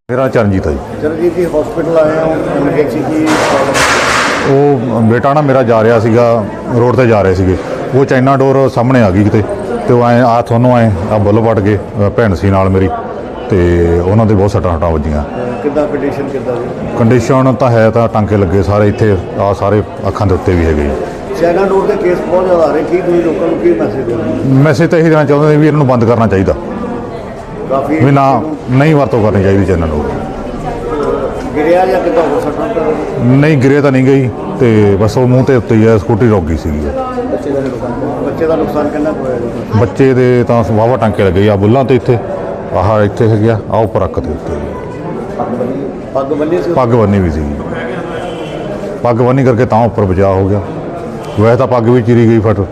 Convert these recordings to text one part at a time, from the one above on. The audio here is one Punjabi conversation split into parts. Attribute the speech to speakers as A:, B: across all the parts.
A: मेरा चरणजीत है जी।
B: चरणजीत जी हॉस्पिटल आए हो एमरजेंसी की
A: ਉਹ ਬੇਟਾ ਨਾ ਮੇਰਾ ਜਾ ਰਿਹਾ ਸੀਗਾ ਰੋਡ ਤੇ ਜਾ ਰਹੇ ਸੀਗੇ, ਉਹ ਚਾਈਨਾ ਡੋਰ ਸਾਹਮਣੇ ਆ ਗਈ ਕਿਤੇ ਤੇ ਉਹ ਐਂ ਆ ਤੁਹਾਨੂੰ ਐਂ ਆ ਬੁੱਲ ਵੱਟ ਗਏ। ਭੈਣ ਸੀ ਨਾਲ ਮੇਰੀ ਤੇ ਉਹਨਾਂ ਦੇ ਬਹੁਤ ਸੱਟਾਂ ਵੱਜੀਆਂ।
B: ਕਿੱਦਾਂ ਕੰਡੀਸ਼ਨ ਕਿੱਦਾਂ ਦੀ?
A: ਕੰਡੀਸ਼ਨ ਤਾਂ ਹੈ, ਤਾਂ ਟਾਂਕੇ ਲੱਗੇ ਸਾਰੇ ਇੱਥੇ ਆ ਸਾਰੇ ਅੱਖਾਂ ਦੇ ਉੱਤੇ ਵੀ ਹੈਗੇ ਜੀ।
B: ਚਾਈਨਾ ਡੋਰ ਦੇ ਕੇਸ ਬਹੁਤ ਜ਼ਿਆਦਾ ਆ ਰਹੇ, ਕੀ ਤੁਸੀਂ ਲੋਕਾਂ ਨੂੰ ਕੀ ਮੈਸੇਜ ਦੇਣਾ?
A: ਮੈਸੇਜ ਤਾਂ ਇਹੀ ਦੇਣਾ ਚਾਹੁੰਦੇ ਵੀ ਇਹਨਾਂ ਨੂੰ ਬੰਦ ਕਰਨਾ ਚਾਹੀਦਾ,
B: ਕਾਫੀ
A: ਵੀ ਨਾ ਨਹੀਂ ਵਰਤੋਂ ਕਰਨੀ ਚਾਹੀਦੀ ਚਾਈਨਾ ਡੋਰ।
B: ਗਿਰਿਆ ਜਾਂ ਕਿੱਦਾਂ ਹੋ ਸਕਦਾ?
A: ਨਹੀਂ ਗਿਰੇ ਤਾਂ ਨਹੀਂ ਗਈ ਤੇ ਬਸ ਉਹ ਮੂੰਹ ਤੇ ਉੱਤੇ ਹੀ ਆ, ਸਕੂਟਰੀ ਰੁਕ ਗਈ ਸੀਗੀ।
B: ਬੱਚੇ ਦਾ ਨੁਕਸਾਨ ਕਿੰਨਾ ਕੁ ਹੋਇਆ ਜੀ?
A: ਬੱਚੇ ਦੇ ਤਾਂ ਵਾਹਵਾ ਟਾਂਕੇ ਲੱਗੇ ਆ ਬੁੱਲਾਂ ਤੇ, ਇੱਥੇ ਆਹ ਇੱਥੇ ਹੈਗੇ ਆ ਉੱਪਰ ਅੱਖ ਦੇ ਉੱਤੇ।
B: ਪੱਗ ਬੰਨੀ ਸੀ?
A: ਪੱਗ ਬੰਨੀ ਵੀ ਸੀਗੀ, ਪੱਗ ਬੰਨੀ ਕਰਕੇ ਤਾਂ ਉੱਪਰ ਬਚਾਅ ਹੋ ਗਿਆ, ਵੈਸੇ ਤਾਂ ਪੱਗ ਵੀ ਚਿਰੀ ਗਈ ਫਟ।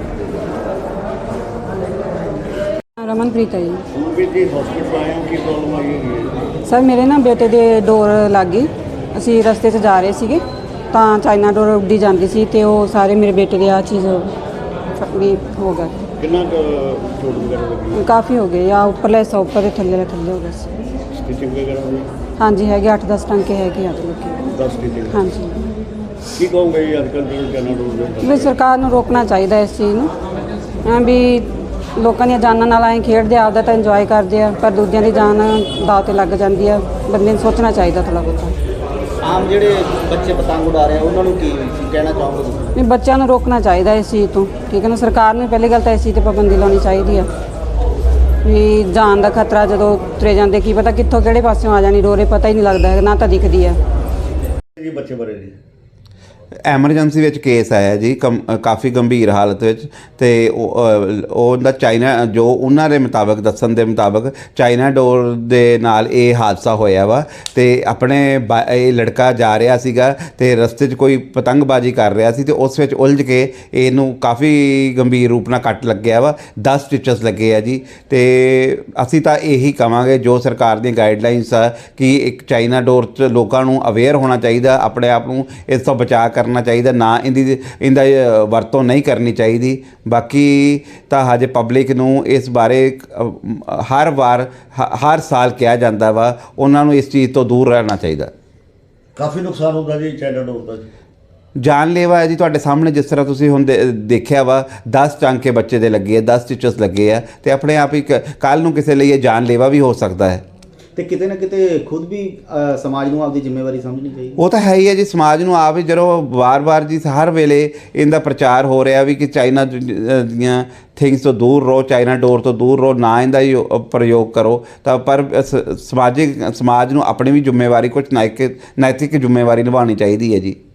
C: ਰਮਨਪ੍ਰੀਤ ਹੈ ਜੀ।
B: ਵੀ ਜੀ ਹਸਪੀਟਲ ਆਏ ਹੋ, ਕੀ ਪ੍ਰੋਬਲਮ ਆਈ ਹੋਈ ਹੈ?
C: ਸਰ ਮੇਰੇ ਨਾ ਬੇਟੇ ਦੇ ਡੋਰ ਲੱਗ ਗਈ, ਅਸੀਂ ਰਸਤੇ 'ਚ ਜਾ ਰਹੇ ਸੀਗੇ ਤਾਂ ਚਾਈਨਾ ਡੋਰ ਉੱਡੀ ਜਾਂਦੀ ਸੀ ਤੇ ਉਹ ਸਾਰੇ ਮੇਰੇ ਬੇਟੇ ਦੇ ਆ ਚੀਜ਼ ਵੀ ਹੋ ਗਿਆ।
B: ਕਿੰਨਾ ਕੁ ਚੋਟ ਵਗੈਰਾ ਲੱਗੀ?
C: ਕਾਫੀ ਹੋ ਗਏ, ਆ ਉੱਪਰਲੇ ਹਿੱਸਾ ਉੱਪਰ ਦੇ ਥੱਲੇ ਹੋ ਗਿਆ ਸੀ।
B: ਸਟਿਚਿੰਗ ਵਗੈਰਾ ਹੋਈ?
C: ਹਾਂਜੀ ਹੈਗੇ 8-10 ਟਾਂਕੇ ਹੈਗੇ ਅੱਜ ਲੱਗੇ।
B: 10 ਸਟਿਚਿੰਗ?
C: ਹਾਂਜੀ
B: ਕੀ ਕਹੋਗੇ ਜੀ ਅੱਜ ਕੱਲ੍ਹ ਜਿਹੜੇ ਚਾਈਨਾ ਡੋਰ ਦੇ?
C: ਵੀ ਸਰਕਾਰ ਨੂੰ ਰੋਕਣਾ ਚਾਹੀਦਾ ਇਸ ਚੀਜ਼ ਨੂੰ, ਐਂ ਵੀ ਲੋਕਾਂ ਦੀਆਂ ਜਾਨਾਂ ਨਾਲ ਐਂ ਖੇਡਦੇ, ਆਪਦਾ ਤਾਂ ਇੰਜੋਏ ਕਰਦੇ ਆ ਪਰ ਦੂਜਿਆਂ ਦੀ ਜਾਨ ਦਾਅ 'ਤੇ ਲੱਗ ਜਾਂਦੀ ਆ। ਬੰਦੇ ਨੂੰ ਸੋਚਣਾ ਚਾਹੀਦਾ ਥੋੜ੍ਹਾ ਬਹੁਤਾ।
D: ਆਮ ਜਿਹੜੇ ਬੱਚੇ ਪਤੰਗ ਉਡਾ ਰਹੇ ਆ ਉਹਨਾਂ ਨੂੰ ਕੀ ਕਹਿਣਾ ਚਾਹੋਗੇ ਤੁਸੀਂ?
C: ਨਹੀਂ ਬੱਚਿਆਂ ਨੂੰ ਰੋਕਣਾ ਚਾਹੀਦਾ ਇਸ ਚੀਜ਼ ਤੋਂ, ਠੀਕ ਹੈ ਨਾ। ਸਰਕਾਰ ਨੂੰ ਪਹਿਲੀ ਗੱਲ ਤਾਂ ਇਸ ਚੀਜ਼ 'ਤੇ ਪਾਬੰਦੀ ਲਾਉਣੀ ਚਾਹੀਦੀ ਆ ਵੀ ਜਾਨ ਦਾ ਖਤਰਾ ਜਦੋਂ ਤੁਰੇ ਜਾਂਦੇ ਕੀ ਪਤਾ ਕਿੱਥੋਂ ਕਿਹੜੇ ਪਾਸਿਓਂ ਆ ਜਾਣੀ ਡੋਰੇ, ਪਤਾ ਹੀ ਨਹੀਂ ਲੱਗਦਾ ਹੈ, ਨਾ ਤਾਂ ਦਿਖਦੀ ਆ
B: ਜੀ ਬੱਚੇ ਬਾਰੇ ਜੀ?
E: ਐਮਰਜੈਂਸੀ ਵਿੱਚ ਕੇਸ ਆਇਆ ਜੀ, ਕਾਫੀ ਗੰਭੀਰ ਹਾਲਤ ਵਿੱਚ, ਤੇ ਉਹਦਾ ਚਾਈਨਾ ਜੋ ਉਹਨਾਂ ਦੇ ਮੁਤਾਬਕ ਦੱਸਣ ਦੇ ਮੁਤਾਬਕ ਚਾਈਨਾ ਡੋਰ ਦੇ ਨਾਲ ਇਹ ਹਾਦਸਾ ਹੋਇਆ ਵਾ। ਤੇ ਆਪਣੇ ਇਹ ਲੜਕਾ ਜਾ ਰਿਹਾ ਸੀਗਾ ਤੇ ਰਸਤੇ 'ਚ ਕੋਈ ਪਤੰਗਬਾਜ਼ੀ ਕਰ ਰਿਹਾ ਸੀ ਤੇ ਉਸ ਵਿੱਚ ਉਲਝ ਕੇ ਇਹਨੂੰ ਕਾਫੀ ਗੰਭੀਰ ਰੂਪ ਨਾਲ ਕੱਟ ਲੱਗਿਆ ਵਾ। 10 ਸਟਿਚਸ ਲੱਗੇ ਆ ਜੀ। ਤੇ ਅਸੀਂ ਤਾਂ ਇਹੀ ਕਵਾਂਗੇ ਜੋ ਸਰਕਾਰ ਦੀਆਂ ਗਾਈਡਲਾਈਨਸ ਆ ਕਿ ਇੱਕ ਚਾਈਨਾ ਡੋਰ 'ਚ ਲੋਕਾਂ ਨੂੰ ਅਵੇਅਰ ਹੋਣਾ ਚਾਹੀਦਾ, ਆਪਣੇ ਆਪ ਨੂੰ ਇਸ ਤੋਂ ਬਚਾਅ ਕਰਨਾ ਚਾਹੀਦਾ, ਨਾ ਇਹਦਾ ਵਰਤੋਂ ਨਹੀਂ ਕਰਨੀ ਚਾਹੀਦੀ। ਬਾਕੀ ਤਾਂ ਹਜੇ ਪਬਲਿਕ ਨੂੰ ਇਸ ਬਾਰੇ ਹਰ ਸਾਲ ਕਿਹਾ ਜਾਂਦਾ ਵਾ, ਉਹਨਾਂ ਨੂੰ ਇਸ ਚੀਜ਼ ਤੋਂ ਦੂਰ ਰਹਿਣਾ ਚਾਹੀਦਾ।
B: ਕਾਫੀ ਨੁਕਸਾਨ ਹੁੰਦਾ ਜੀ ਚਾਈਨਾ ਡੋਰ ਦਾ ਜੀ?
E: ਜਾਨਲੇਵਾ ਹੈ ਜੀ, ਤੁਹਾਡੇ ਸਾਹਮਣੇ ਜਿਸ ਤਰ੍ਹਾਂ ਤੁਸੀਂ ਹੁਣ ਦੇਖਿਆ ਵਾ 10 ਟਾਂਕੇ ਬੱਚੇ ਦੇ ਲੱਗੇ ਆ, 10 ਸਟਿਚਸ ਲੱਗੇ ਆ ਤੇ ਆਪਣੇ ਆਪ ਹੀ ਕੱਲ੍ਹ ਨੂੰ ਕਿਸੇ ਲਈ ਇਹ ਜਾਨਲੇਵਾ ਵੀ ਹੋ ਸਕਦਾ ਹੈ।
D: ਤੇ ਕਿਤੇ ਨਾ ਕਿਤੇ ਖੁਦ ਵੀ ਸਮਾਜ ਨੂੰ ਆਪਦੀ ਜ਼ਿੰਮੇਵਾਰੀ ਸਮਝਣੀ ਚਾਹੀਦੀ।
E: ਉਹ ਤਾਂ ਹੈ ਹੀ ਹੈ ਜੀ, ਸਮਾਜ ਨੂੰ ਆਪ ਹੀ ਜਦੋਂ ਵਾਰ-ਵਾਰ ਜੀ ਹਰ ਵੇਲੇ ਇਹਦਾ ਪ੍ਰਚਾਰ ਹੋ ਰਿਹਾ ਵੀ ਕਿ ਚਾਈਨਾ ਦੀਆਂ ਥਿੰਗਸ ਤੋਂ ਦੂਰ ਰਹੋ, ਚਾਈਨਾ ਡੋਰ ਤੋਂ ਦੂਰ ਰਹੋ, ਨਾ ਇਹਦਾ ਹੀ ਪ੍ਰਯੋਗ ਕਰੋ, ਤਾਂ ਪਰ ਸਮਾਜ ਨੂੰ ਆਪਣੀ ਵੀ ਜ਼ਿੰਮੇਵਾਰੀ, ਕੁਝ ਨੈਤਿਕ ਜ਼ਿੰਮੇਵਾਰੀ ਨਿਭਾਉਣੀ ਚਾਹੀਦੀ ਹੈ ਜੀ।